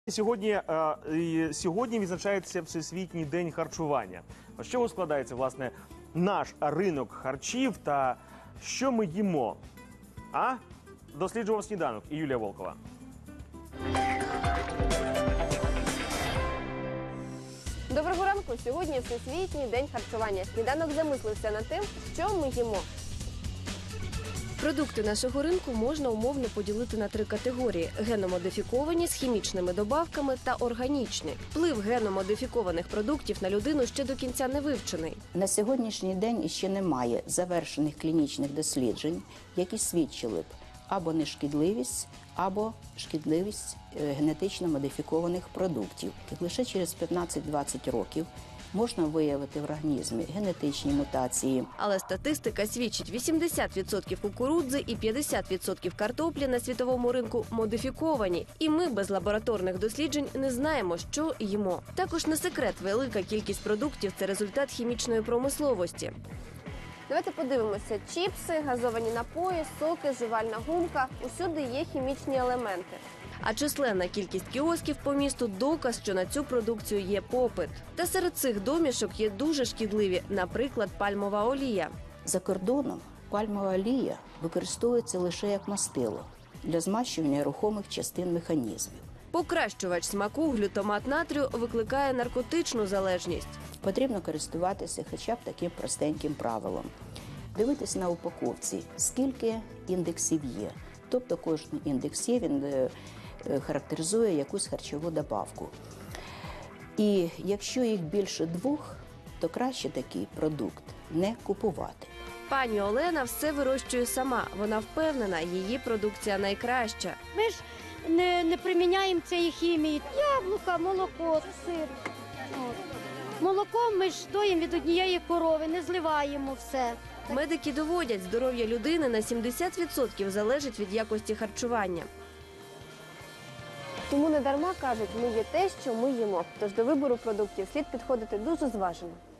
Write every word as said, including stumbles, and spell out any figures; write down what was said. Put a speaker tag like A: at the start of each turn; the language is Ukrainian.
A: Сьогодні, е, сьогодні відзначається Всесвітній день харчування. З чого складається, власне, наш ринок харчів та що ми їмо? А? Досліджував сніданок і Юлія Волкова.
B: Доброго ранку! Сьогодні Всесвітній день харчування. Сніданок замислився над тим, що ми їмо. Продукти нашого ринку можна умовно поділити на три категорії – геномодифіковані з хімічними добавками та органічні. Вплив геномодифікованих продуктів на людину ще до кінця не вивчений.
C: На сьогоднішній день іще немає завершених клінічних досліджень, які свідчили б або нешкідливість, або шкідливість генетично модифікованих продуктів. Лише через п'ятнадцять-двадцять років можна виявити в організмі генетичні мутації.
B: Але статистика свідчить, вісімдесят відсотків кукурудзи і п'ятдесят відсотків картоплі на світовому ринку модифіковані. І ми без лабораторних досліджень не знаємо, що їмо. Також не секрет, велика кількість продуктів – це результат хімічної промисловості. Давайте подивимося. Чіпси, газовані напої, соки, жувальна гумка – усюди є хімічні елементи. А численна кількість кіосків по місту – доказ, що на цю продукцію є попит. Та серед цих домішок є дуже шкідливі, наприклад, пальмова олія.
C: За кордоном пальмова олія використовується лише як мастило для змащування рухомих частин механізмів.
B: Покращувач смаку глютамат натрію викликає наркотичну залежність.
C: Потрібно користуватися хоча б таким простеньким правилом. Дивитись на упаковці, скільки індексів є. Тобто кожен індекс є, він характеризує якусь харчову добавку. І якщо їх більше двох, то краще такий продукт не купувати.
B: Пані Олена все вирощує сама. Вона впевнена, її продукція найкраща.
D: Ми ж не, не приміняємо цієї хімії. Яблука, молоко, сир. От. Молоком ми ж доїмо від однієї корови, не зливаємо все.
B: Медики доводять, здоров'я людини на сімдесят відсотків залежить від якості харчування. Тому не дарма кажуть, ми є те, що ми їмо. Тож до вибору продуктів слід підходити дуже зважено.